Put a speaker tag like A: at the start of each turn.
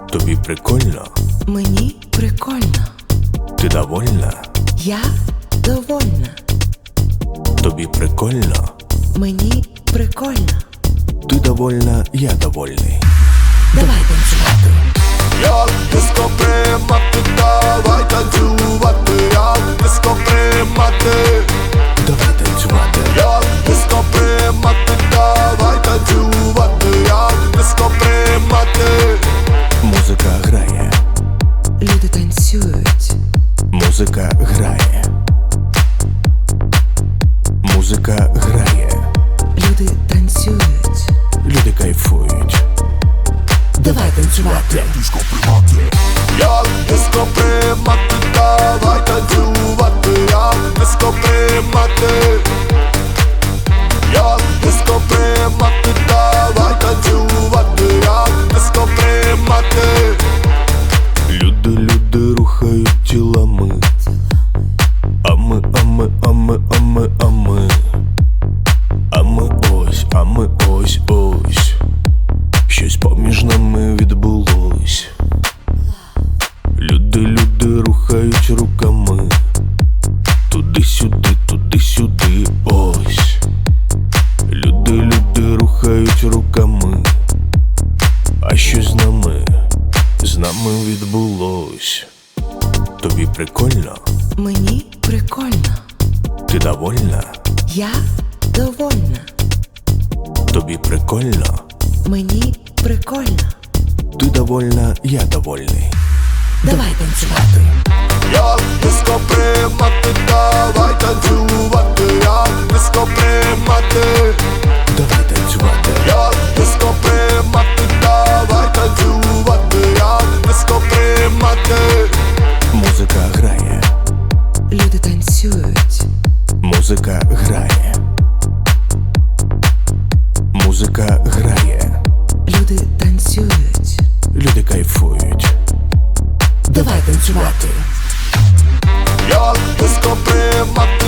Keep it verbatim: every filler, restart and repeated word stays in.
A: Тобі прикольно?
B: Мені прикольно.
A: Ти довольна?
B: Я довольна.
A: Тобі прикольно?
B: Мені прикольно.
A: Ти довольна, я довольний.
B: Давай танцювати.
C: Як диско приймати, давай танцювати. Як диско приймати,
A: Давай танцювати.
C: як диско приймати, давай танцювати. Як диско приймати.
A: Музика грає,
B: Люди танцюють.
A: музика грає. Музика грає,
B: Люди танцюють.
A: люди кайфують.
B: Давай танцювати.
C: Диско приймати. Як диско приймати, давай танцювати. Як диско приймати. Як диско приймати, давай танцювати. Як диско приймати.
A: Люди, люди рухають тілами. А ми, а ми, а ми, а ми, а ми. А ми ось, а ми ось, ось. Щось поміж нами відбулось. Люди, люди рухають руками. Туди-сюди, туди-сюди, ось. Люди, люди рухають руками. А щось з нами, з нами відбулось. Тобі прикольно?
B: Мені прикольно.
A: Ти довольна?
B: Я довольна.
A: Тобі прикольно?
B: Мені прикольно.
A: Ти довольна, я довольний.
B: Давай танцювати.
C: Як диско приймати, давай танцювати. Як диско приймати.
A: Давай танцювати.
C: Як диско приймати, давай танцювати. Як диско приймати.
A: Музика грає,
B: Люди танцюють.
A: музика грає. Музика грає,
B: Люди танцюють.
A: люди кайфують.
B: Давай танцювати.
C: Як диско приймати,